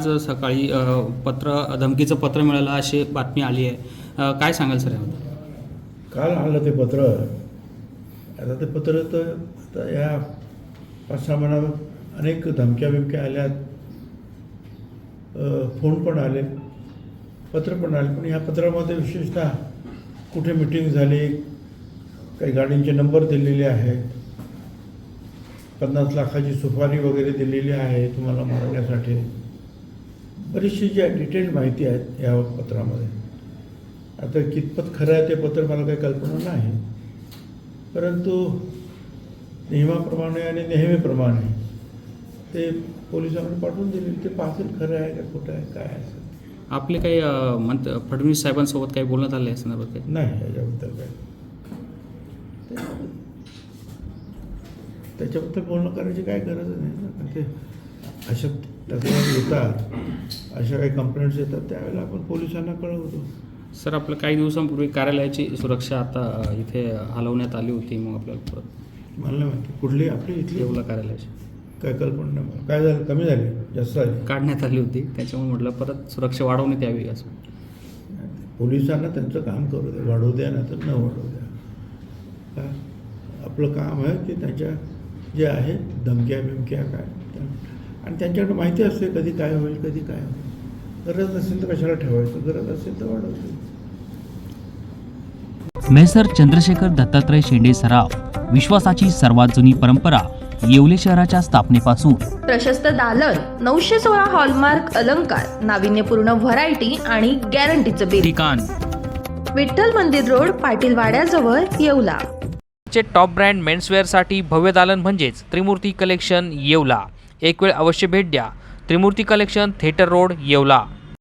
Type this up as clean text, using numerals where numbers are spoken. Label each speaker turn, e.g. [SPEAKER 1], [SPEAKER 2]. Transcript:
[SPEAKER 1] आज सकाळी धमकीचं पत्र मिळालं अशी बातमी आली आहे, काय सांगाल सर याबद्दल?
[SPEAKER 2] काल आलं ते पत्र. आता ते पत्र तर आता या 5-6 महिन्यात अनेक धमक्या बिमक्या आल्यात, फोन पण आले, पत्र पण आले. पण ह्या पत्रामध्ये विशेषतः कुठे मिटिंग झाली, काही गाडींचे नंबर दिलेले आहेत, 50 लाखाची सुपारी वगैरे दिलेली आहे तुम्हाला मारण्यासाठी. बरीचशी जी डिटेल माहिती आहे या पत्रामध्ये. आता कितपत खरं आहे ते पत्र मला काही कल्पना नाही, परंतु नियमाप्रमाणे आणि नेहमीप्रमाणे ते पोलिसांना पाठवून दिले. ते पाहतील खरं आहे का खोटं आहे काय आहे.
[SPEAKER 1] आपले काही फडणवीस साहेबांसोबत काही बोलण्यात आले असं काही
[SPEAKER 2] नाही याच्याबद्दल काय, त्याच्याबद्दल बोलणं करायची काय गरज नाही ना. ते अशा तक्रारी येतात, अशा काही कंप्लेंट्स येतात, त्यावेळेला आपण पोलिसांना कळवतो.
[SPEAKER 1] सर, आपलं काही दिवसांपूर्वी कार्यालयाची सुरक्षा आता इथे हलवण्यात आली होती, मग आपल्याला परत
[SPEAKER 2] मला नाही माहिती कुठली आपली इथली
[SPEAKER 1] येवला कार्यालयाची
[SPEAKER 2] काय कल्पना नाही मला. काय झालं, कमी झाली जास्त झाली
[SPEAKER 1] काढण्यात आली होती, त्याच्यामुळे म्हटलं परत सुरक्षा वाढवण्यात यावी असं.
[SPEAKER 2] पोलिसांना त्यांचं काम करू द्या, वाढवू द्या ना तर न वाढवू द्या. काय आपलं काम आहे की त्यांच्या जे आहे धमक्या बिमक्या काय आणि त्यांच्याकडे माहिती असते कधी काय होईल कधी काय होईल. गरज नसेल तर कशाला ठेवायचं, गरज असेल तर वाढवतो.
[SPEAKER 3] मेसर चंद्रशेखर दत्तात्रय शेंडे सराफ, विश्वासाची सर्वात जुनी परंपरा. येवले शहराच्या स्थापनेपासून
[SPEAKER 4] प्रशस्त दालन, 916 हॉलमार्क अलंकार, नाविन्यपूर्ण व्हरायटी आणि गॅरंटीचं बिल.
[SPEAKER 3] ठिकाण
[SPEAKER 4] विठ्ठल मंदिर रोड, पाटील वाड्याजवळ, येवला.
[SPEAKER 5] चे टॉप ब्रँड मेन्सवेअरसाठी भव्य दालन म्हणजेच त्रिमूर्ती कलेक्शन येवला. एक वेळ अवश्य भेट द्या. Trimurti collection, theatre road, Yeola.